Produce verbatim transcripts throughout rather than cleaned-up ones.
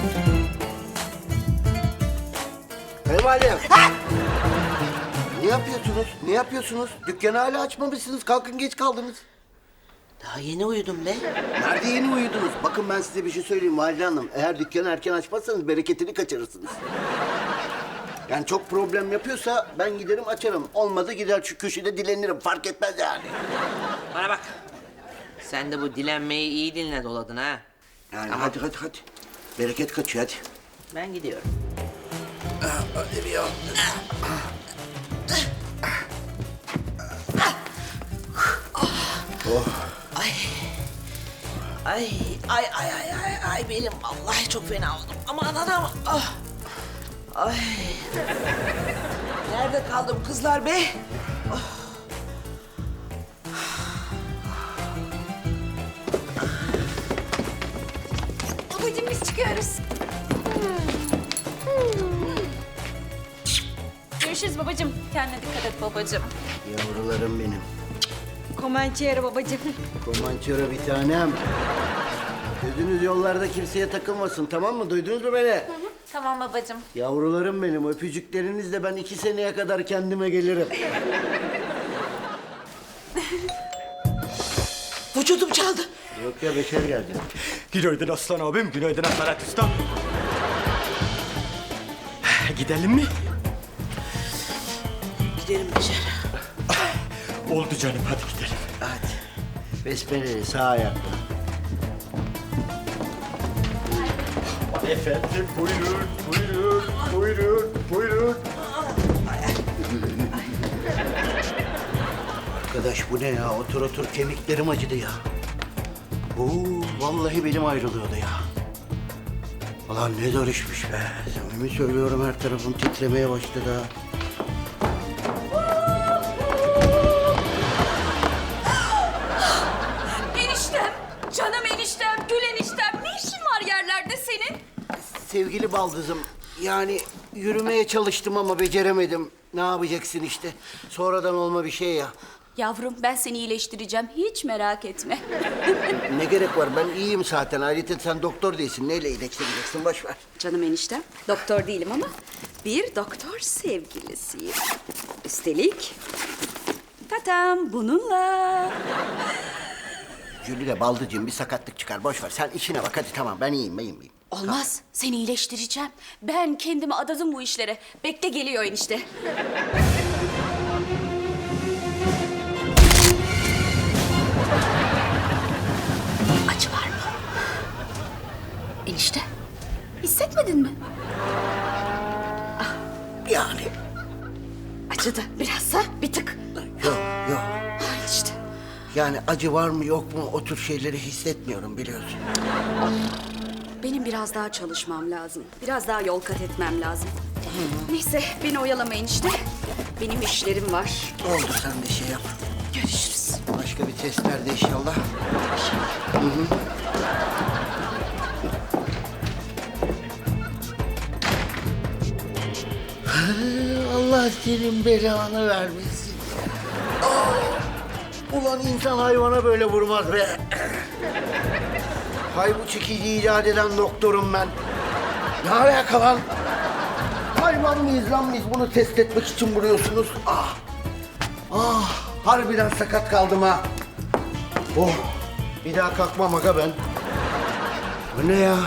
Kayınvalidem. Ne yapıyorsunuz? Ne yapıyorsunuz? Dükkanı hala açmamışsınız. Kalkın, geç kaldınız. Daha yeni uyudum be. Nerede yeni uyudunuz? Bakın ben size bir şey söyleyeyim Valide Hanım. Eğer dükkanı erken açmazsanız bereketini kaçırırsınız. Yani çok problem yapıyorsa ben giderim açarım. Olmadı gider şu köşede dilenirim. Fark etmez yani. Bana bak. Sen de bu dilenmeyi iyi dinle doladın ha. Yani Tamam. hadi hadi hadi. Bereket kaçıyor hadi. Ben gidiyorum. Hadi bir ya. Ay. Ay, ay, ay, ay, ay, ay benim vallahi çok fena oldum. Aman anam. Ah. Ay. Nerede kaldım kızlar be? Babacığım biz çıkıyoruz. Görüşürüz babacığım. Kendine dikkat et babacığım. Yavrularım benim. Comanchero babacığım. Komançero bir tanem. Gözünüz yollarda kimseye takılmasın, tamam mı? Duydunuz mu beni? Tamam babacığım. Yavrularım benim, öpücüklerinizle ben iki seneye kadar kendime gelirim. Vücudum çaldı. Yok ya, Beşer geldi. Günaydın Aslan abim, günaydın Asalet Usta. Gidelim mi? Gidelim dışarı. Oldu canım, hadi gidelim. Hadi. Besmeleli sağ ayakta. Efendim, buyurun, buyurun, buyurun, buyurun. Arkadaş bu ne ya? Otur otur, kemiklerim acıdı ya. Oo, vallahi belim ayrılıyordu ya. Ulan ne zor işmiş be. Samimi söylüyorum, her tarafım titremeye başladı ha. Eniştem, canım eniştem, gül eniştem. Ne işin var yerlerde senin? Sevgili baldızım, yani yürümeye çalıştım ama beceremedim. Ne yapacaksın işte? Sonradan olma bir şey ya. Yavrum ben seni iyileştireceğim. Hiç merak etme. Ne gerek var? Ben iyiyim zaten. Ayrıca sen doktor değilsin. Neyle iyileştireceksin? Boş ver. Canım eniştem. Doktor değilim ama bir doktor sevgilisiyim. Üstelik tatam bununla. Jülide baldıcığım bir sakatlık çıkar. Boş ver. Sen işine bak. Hadi tamam. Ben iyiyim. Ben iyiyim. iyiyim. Olmaz. Seni iyileştireceğim. Ben kendimi adadım bu işlere. Bekle geliyor enişte. Acı var mı? Enişte. Hissetmedin mi? Yani. Acıdı. Birazsa bir tık. Yok yok. Ay işte. Yani acı var mı yok mu o tür şeyleri hissetmiyorum biliyorsun. Benim biraz daha çalışmam lazım. Biraz daha yol kat etmem lazım. Neyse beni oyalamayın işte. Benim işlerim var. Oldu, sen de şey yap. Görüşürüz. Başka bir test nerede inşallah? Hı hı. Allah senin belanı vermesin. Aa! Ulan insan hayvana böyle vurmaz be. Hay bu çekici icat eden doktorum ben. Ne alaka lan? Hayvan mıyız lan biz, bunu test etmek için vuruyorsunuz? Ah! Ah! Harbiden sakat kaldım ha. Oh! Bir daha kalkmam aga ben. Bu ne ya?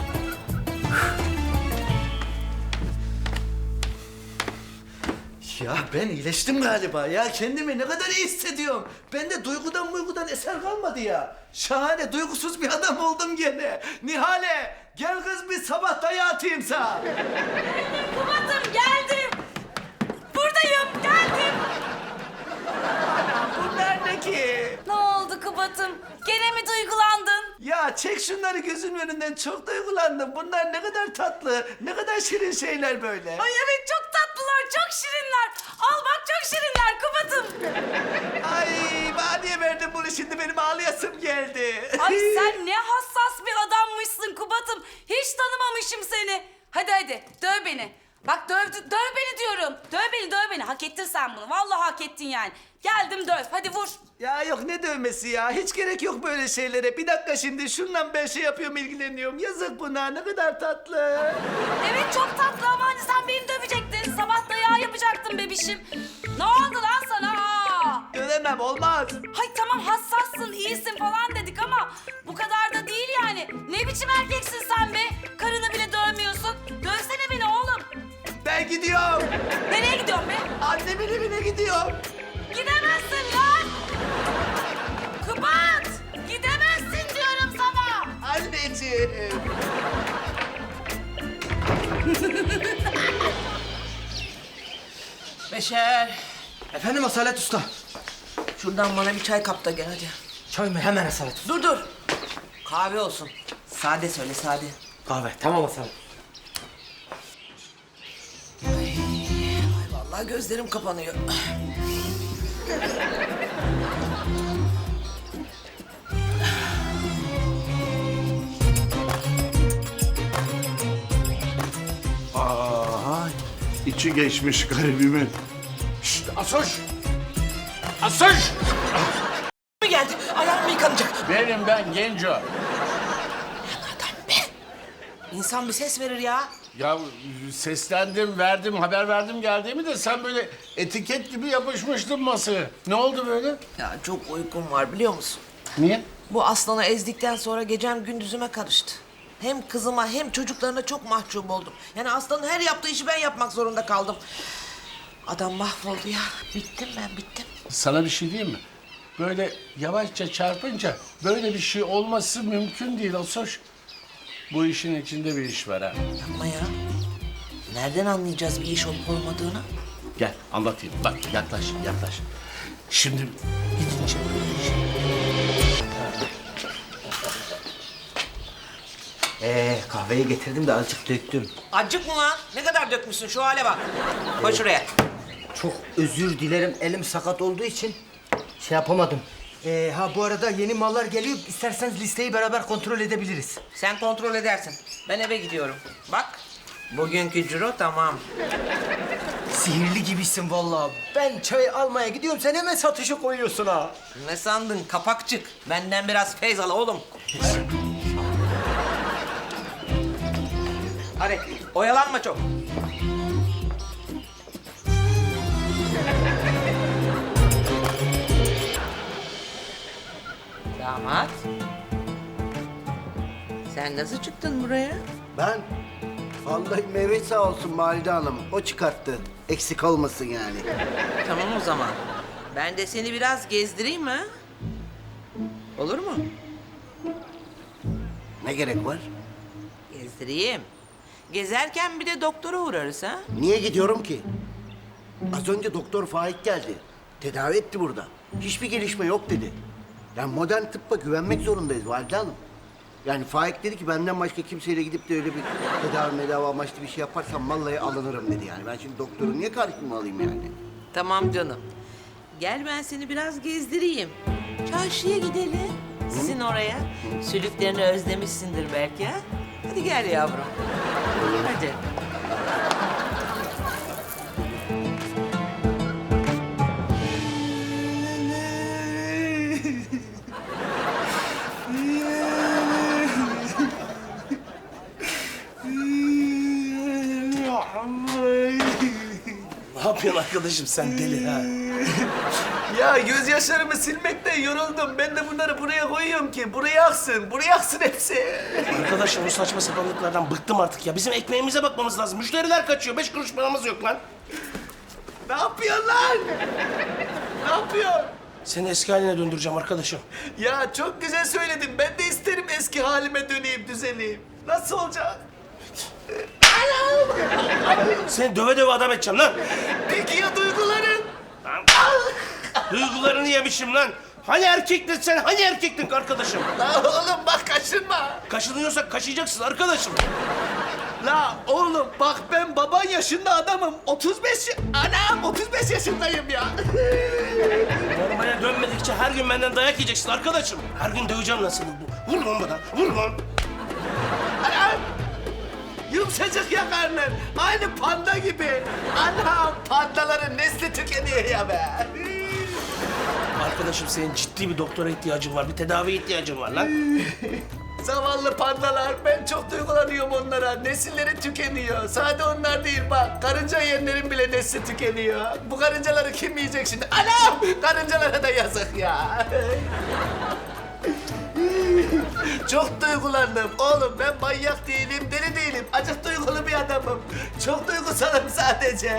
Ya ben iyileştim galiba ya. Kendimi ne kadar iyi hissediyorum. Bende duygudan muygudan eser kalmadı ya. Şahane, duygusuz bir adam oldum gene. Nihale, gel kız bir sabah dayağı atayım sana. Kubat'ım geldim. Buradayım, geldim. Anam bunlar ne ki? Ne oldu Kubat'ım? Gene mi duygulandın? Ya çek şunları gözümün önünden, çok duygulandım. Bunlar ne kadar tatlı, ne kadar şirin şeyler böyle. Ay evet çok tatlılar, çok şirinler. Al bak çok şirinler Kubat'ım. Ay bana niye verdin bunu şimdi, benim ağlayasım geldi. Ay sen ne hassas bir adammışsın Kubat'ım. Hiç tanımamışım seni. Hadi hadi döv beni. Bak döv, döv beni diyorum. Döv beni, döv beni. Hak ettin sen bunu. Vallahi hak ettin yani. Geldim döv. Hadi vur. Ya yok ne dövmesi ya? Hiç gerek yok böyle şeylere. Bir dakika şimdi şundan ben şey yapıyorum, ilgileniyorum. Yazık buna, ne kadar tatlı. Evet çok tatlı ama hani sen beni dövecektin. Sabah dayağı yapacaktın bebişim. Ne oldu lan sana? Aa! Dövemem, olmaz. Hay tamam hassassın, iyisin falan dedik ama bu kadar da değil yani. Ne biçim erkeksin sen be? Karını bile dövmüyorsun. Dövsene beni oğlum. Ben gidiyorum. Nereye gidiyorsun be? Annemin evine gidiyorum. Gidemezsin lan! Kubat! Gidemezsin diyorum sana! Anneciğim. Beşer, Efendim Asalet Usta. şuradan bana bir çay kap da gel hadi. Çay mı? Hemen Asalet Usta. Dur dur. Kahve olsun. Sade söyle sade. Kahve. Tamam Asalet. Ay vallahi gözlerim kapanıyor. Aha, içi geçmiş garibimin. Şşt Asoş! Asoş! Mi geldi? Ayağım mı yıkanacak? Benim ben Genco. Adam be. İnsan bir ses verir ya. Ya seslendim, verdim, haber verdim geldiğimi de sen böyle etiket gibi yapışmıştın masaya. Ne oldu böyle? Ya çok uykum var biliyor musun? Niye? Bu aslanı ezdikten sonra gecem gündüzüme karıştı. Hem kızıma hem çocuklarına çok mahcup oldum. Yani aslanın her yaptığı işi ben yapmak zorunda kaldım. Adam mahvoldu ya. Bittim ben bittim. Sana bir şey diyeyim mi? Böyle yavaşça çarpınca böyle bir şey olması mümkün değil Asoş. Bu işin içinde bir iş var ha. Yapma ya. Nereden anlayacağız bir iş olup olmadığını? Gel anlatayım. Bak yaklaş, yaklaş. Şimdi gidince Ee, kahveyi getirdim de azıcık döktüm. Acık mı lan? Ne kadar dökmüşsün şu hale bak. Koy şuraya. Çok özür dilerim. Elim sakat olduğu için şey yapamadım. Ee, ha bu arada yeni mallar geliyor. İsterseniz listeyi beraber kontrol edebiliriz. Sen kontrol edersin. Ben eve gidiyorum. Bak. Bugünkü ciro tamam. Sihirli gibisin vallahi. Ben çay almaya gidiyorum. Sen hemen satışa koyuyorsun ha. Ne sandın kapakçık? Benden biraz feyz al oğlum. Hadi oyalanma çok. Damat. Sen nasıl çıktın buraya? Ben vallahi Mehmet sağ olsun Valide Hanım. O çıkarttı. Eksik olmasın yani. Tamam o zaman. Ben de seni biraz gezdireyim ha? Olur mu? Ne gerek var? Gezdireyim. Gezerken bir de doktora uğrarız ha? Niye gidiyorum ki? Az önce Doktor Faik geldi. Tedavi etti burada. Hiçbir gelişme yok dedi. Yani modern tıbba güvenmek zorundayız Valide Hanım. Yani Faik dedi ki benden başka kimseyle gidip de öyle bir tedavi medavi amaçlı bir şey yaparsam vallahi alınırım dedi yani. Ben şimdi doktoru niye karşıma alayım yani? Tamam canım. Gel ben seni biraz gezdireyim. Çarşıya gidelim. Sizin oraya. Sülüklerini özlemişsindir belki ha? Hadi gel yavrum. Hadi. Ne yapıyorsun arkadaşım sen deli ha? Ya gözyaşlarımı silmekten yoruldum. Ben de bunları buraya koyuyorum ki buraya aksın, buraya aksın hepsi. Arkadaşlar bu saçma sapanlıklardan bıktım artık ya. Bizim ekmeğimize bakmamız lazım. Müşteriler kaçıyor. Beş kuruş paramız yok lan. Ne yapıyorsun lan? Ne yapıyorsun? Seni eski haline döndüreceğim arkadaşım. Ya çok güzel söyledin. Ben de isterim eski halime döneyim, düzeleyim. Nasıl olacak? Seni döve döve adam edeceğim lan. Peki ya duyguların? Duygularını yemişim lan. Hani erkektin sen? Hani erkektin arkadaşım? La oğlum bak kaşınma. Kaşınıyorsak kaşıyacaksın arkadaşım. La oğlum bak ben baban yaşında adamım. otuz beş ya- Anam otuz beş yaşındayım ya. Normale dönmedikçe her gün benden dayak yiyeceksin arkadaşım. Her gün döveceğim lan seni. Vur lan bana. Vur lan. Anam. Yum yumuşacık ya karnın. Aynı panda gibi. Anam pandaların nesli tükeniyor ya be. Arkadaşım senin ciddi bir doktora ihtiyacın var. Bir tedavi ihtiyacın var lan. Zavallı pandalar. Ben çok duygulanıyorum onlara. Nesilleri tükeniyor. Sadece onlar değil bak. Karınca yiyenlerin bile nesli tükeniyor. Bu karıncaları kim yiyecek şimdi? Anam! Karıncalara da yazık ya. Çok duygulandım. Oğlum ben manyak değilim, deli değilim. Acık duygulu bir adamım. Çok duygusalım sadece.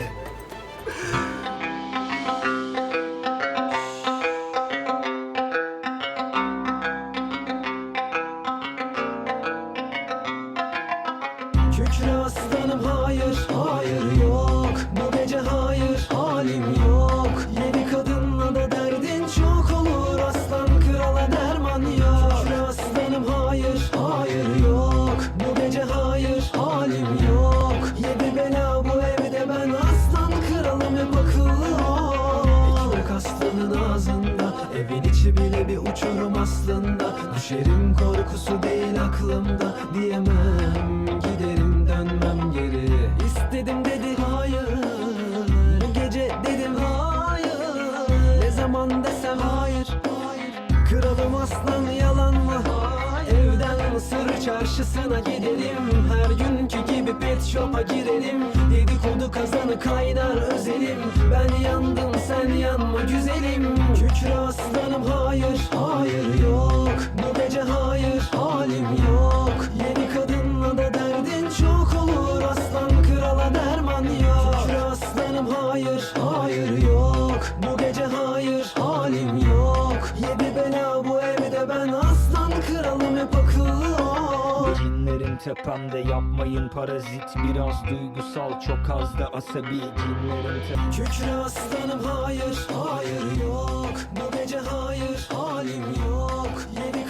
Kükre aslanım hayır, hayır yok. Bu gece hayır, halim yok. Yedi kadınla da derdin çok olur. Aslan krala derman yok. Kükre aslanım hayır, hayır yok. Bu gece hayır, halim yok. Yedi bela bu evde ben aslan kralım hep akıllı ol. Ekmek aslanın ağzında, evin içi bile bir uçurum aslında. Düşerim korkusu değil aklımda, diyemem giderim dönmem geri. İstedim dedi hayır, bu gece dedim hayır. Ne zaman desem hayır, kralım aslan yalan mı? Evden Mısır çarşısına gidelim, her günkü gibi pet shop'a girelim. Dedikodu kazanı kaynar özelim, ben yandım sen yanma güzelim. Kükre aslanım hayır, hayır yok. Bu gece hayır, halim yok. Yeni kadınla da derdin çok olur. Aslan krala derman yok. Kükre aslanım hayır, hayır yok. Bu gece hayır, halim yok. Yedi bela bu evde ben aslan kralım hep akıllı ol. Cinlerin tepemde yapmayın parazit. Biraz duygusal çok az da asabi. Cinlerin tepemde. Kükre aslanım hayır, hayır yok. Bu gece hayır, halim yok. Yedi